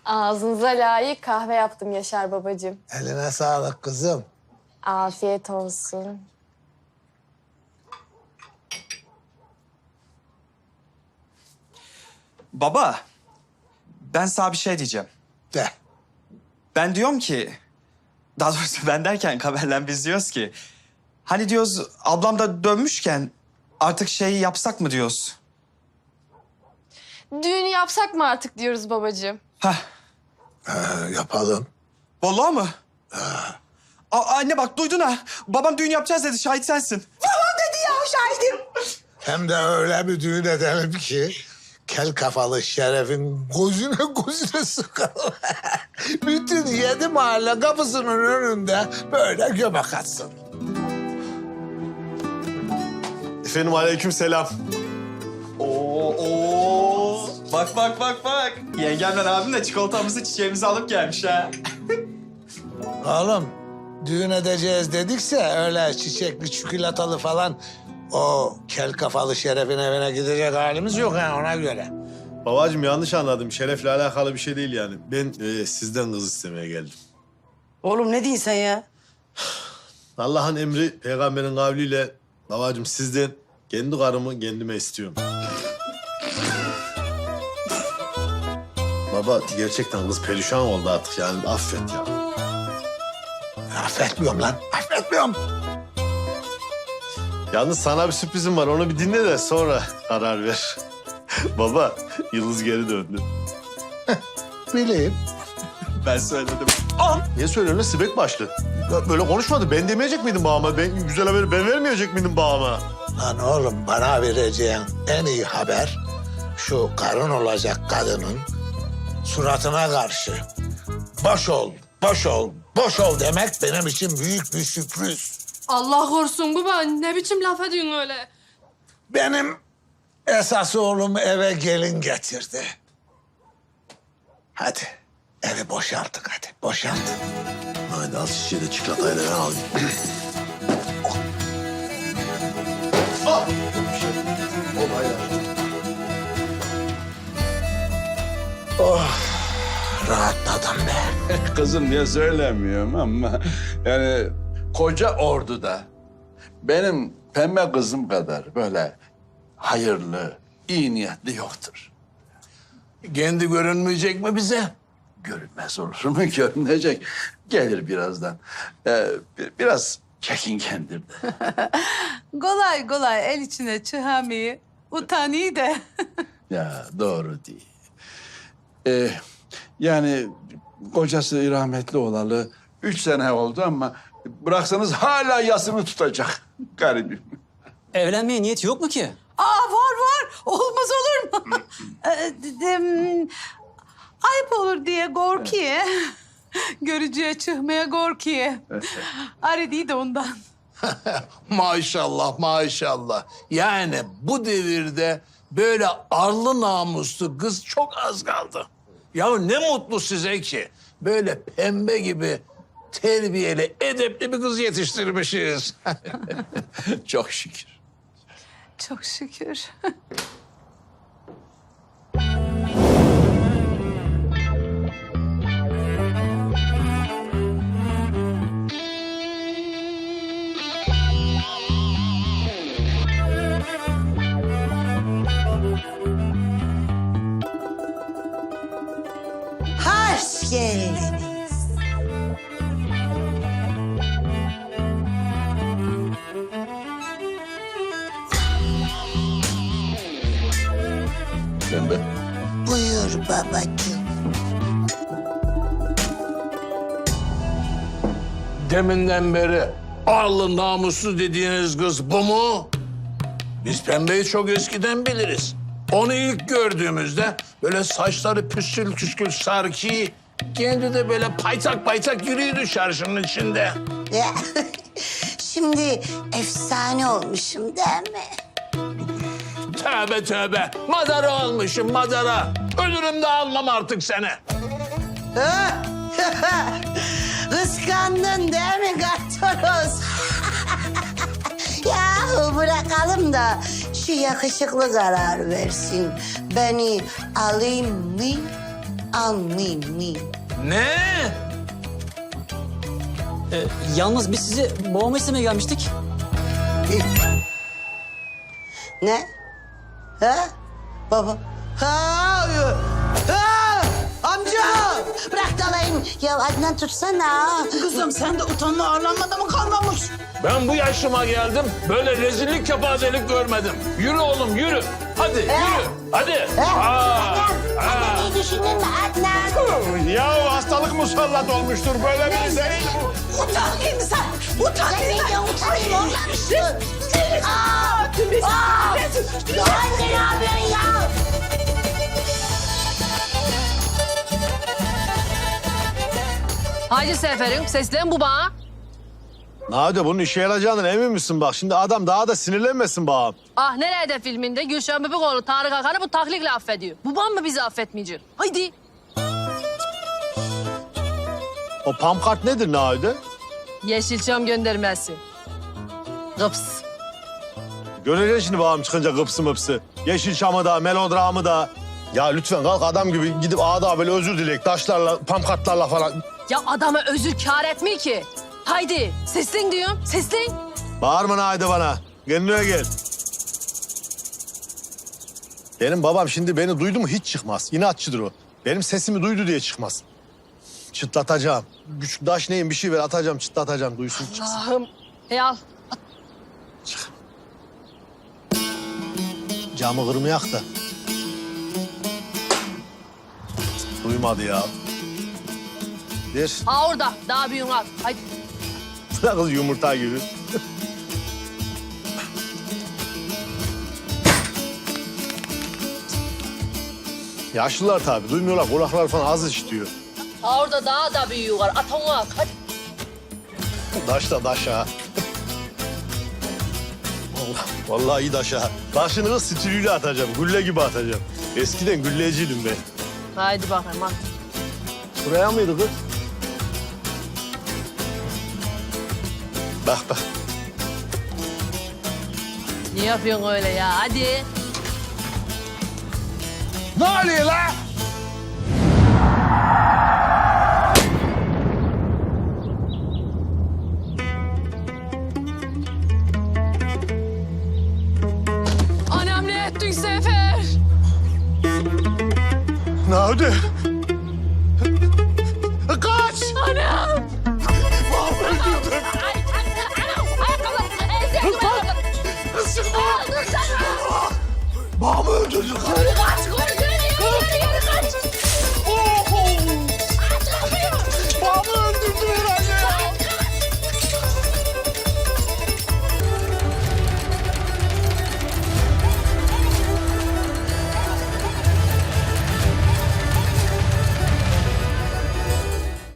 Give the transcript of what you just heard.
Ağzınıza layık kahve yaptım Yaşar babacığım. Eline sağlık kızım. Afiyet olsun. Baba, ben sana bir şey diyeceğim. De. Ben diyorum ki, daha doğrusu ben derken Kamer'le biz diyoruz ki... Hani diyoruz ablam da dönmüşken artık şeyi yapsak mı diyoruz? Düğünü yapsak mı artık diyoruz babacığım. Heh, Yapalım. vallahi mı? Anne bak duydun ha. Babam düğün yapacağız dedi, şahit sensin. Hem de öyle bir düğün edelim ki... kel kafalı Şeref'in gözüne sıkalım. Bütün 7 mahalle kapısının önünde böyle göbek atsın. Efendim aleykümselam. Oo. Bak. Yengemle abim de çikolatamızı, çiçeğimizi alıp gelmiş ha. Oğlum düğün edeceğiz dedikse öyle çiçekli çikolatalı falan... o kel kafalı Şeref'in evine gidecek halimiz yok ha ona göre. Babacığım yanlış anladım. Şeref'le alakalı bir şey değil yani. Ben sizden kız istemeye geldim. Oğlum ne diyorsun sen ya? Allah'ın emri peygamberin kavliyle babacığım sizden kendi karımı kendime istiyorum. Baba gerçekten kız perişan oldu artık yani affet ya. Affetmiyorum lan, affetmiyorum. Yalnız sana bir sürprizim var onu bir dinle de sonra karar ver. Baba Yıldız geri döndü. Bileyim. Ben söyledim. Niye söylüyorsun lan sibek başlı? Ya böyle konuşmadı. Ben demeyecek miydim babama? Ben güzel haberi ben vermeyecek miydim babama? Lan oğlum bana vereceğin en iyi haber... şu karın olacak kadının suratına karşı... boş ol demek benim için büyük bir sürpriz. Allah korusun baba. Ne biçim laf ediyorsun öyle? Benim esas oğlum eve gelin getirdi. Hadi evi boşalttık hadi boşalt. Hadi al şişeyi de çikolatayı da ben alayım. Ah! Rahatladım be. Kızım diye söylemiyorum ama yani koca orduda benim pembe kızım kadar böyle hayırlı, iyi niyetli yoktur. Kendi görünmeyecek mi bize? Görünmez olur mu? Görünecek. Gelir birazdan. Biraz çekingendir de. Kolay kolay el içine çıhamayı utanıyor da. Ya doğru değil. Yani kocası rahmetli olalı 3 sene oldu ama bıraksanız hala yasını tutacak garibim. Evlenmeye niyeti yok mu ki? Var. Olmaz olur mu? Ayıp olur diye korkuyor. Görücüye çıkmaya korkuyor. Arı değil de ondan. Maşallah. Yani bu devirde böyle arlı namuslu kız çok az kaldı. Ya ne mutlu size ki böyle pembe gibi terbiyeli, edepli bir kız yetiştirmişiz. Çok şükür. Çok şükür. Hoş geldiniz. Pembe. Buyur babacığım. Deminden beri arlı namuslu dediğiniz kız bu mu? Biz pembeyi çok eskiden biliriz. Onu ilk gördüğümüzde böyle saçları püskül püskül sarkı, kendi de böyle paytak yürüyordu çarşının içinde. Ya, şimdi efsane olmuşum değil mi? Tövbe. Madara olmuşum madara. Ölürüm de almam artık seni. Kıskandın değil mi Kartoros? Yahu bırakalım da şu yakışıklı karar versin. Beni alayım mı, almayayım. Ne? Yalnız biz sizi babamı istemeye gelmiştik. Ne? Ha? Baba. Ha! Ha! Amca! Bırak dalayım. Ya Adnan tutsana. Kızım sen de utanma arlanmada mı kalmamış? Ben bu yaşıma geldim. Böyle rezillik kepazelik görmedim. Yürü oğlum yürü. Hadi yürü. Hadi. Adnan iyi düşündün mü Adnan? Ya hastalık musallat olmuştur böyle bir şey. Utan insan! Utan Ben de utanayım ondan. Anne ne yapıyorsun ya? Haydi Seferim seslen bu bana. Nade bunun işe yarayacağından emin misin bak? Şimdi adam daha da sinirlenmesin bağım. Ah nerede filminde Gülşen Bebikoğlu Tarık Akan'ı bu taklikle affediyor. Babam mı bizi affetmeyecek? Haydi. O pamkart nedir Nade? Yeşilçam göndermesi. Gıps. Göreceksin şimdi bağım çıkınca gıpsı mıpsı. Yeşilçam'ı da, melodramı da. Ya lütfen kalk adam gibi gidip ağda böyle özür dilek, taşlarla, pamkartlarla falan. Ya adama özür kâr etmiyor ki. Haydi seslen diyorum seslen. Bağırma Nade bana. Kendine gel. Benim babam şimdi beni duydu mu hiç çıkmaz. İnatçıdır o. Benim sesimi duydu diye çıkmaz. Çıtlatacağım. Güçlü taş neyin bir şey ver atacağım çıtlatacağım duysun çıksın. Allah'ım. Hey al. Camı kırmayak da. Duymadı ya. Ver. Ha orada daha büyüğün al. Haydi. Kız yumurta gibi. Yaşlılar tabii duymuyorlar. Kulaklar falan az işitiyor. Ha orada daha da büyüğü var. At onu at. Hadi. Daş da daş ha. Vallahi iyi daş ha. Daşını kız stiliyle atacağım. Gülle gibi atacağım. Eskiden gülleciydim ben. Haydi bakayım at. Şuraya mıydı kız? Bak bak. Ne yapıyorsun öyle ya? Hadi. Ne oluyor la? Anam ne ettin Sefer? Ne oldu? Kaç! Anam! Babamı öldürdüm. Babamı öldürdüm. Kaç,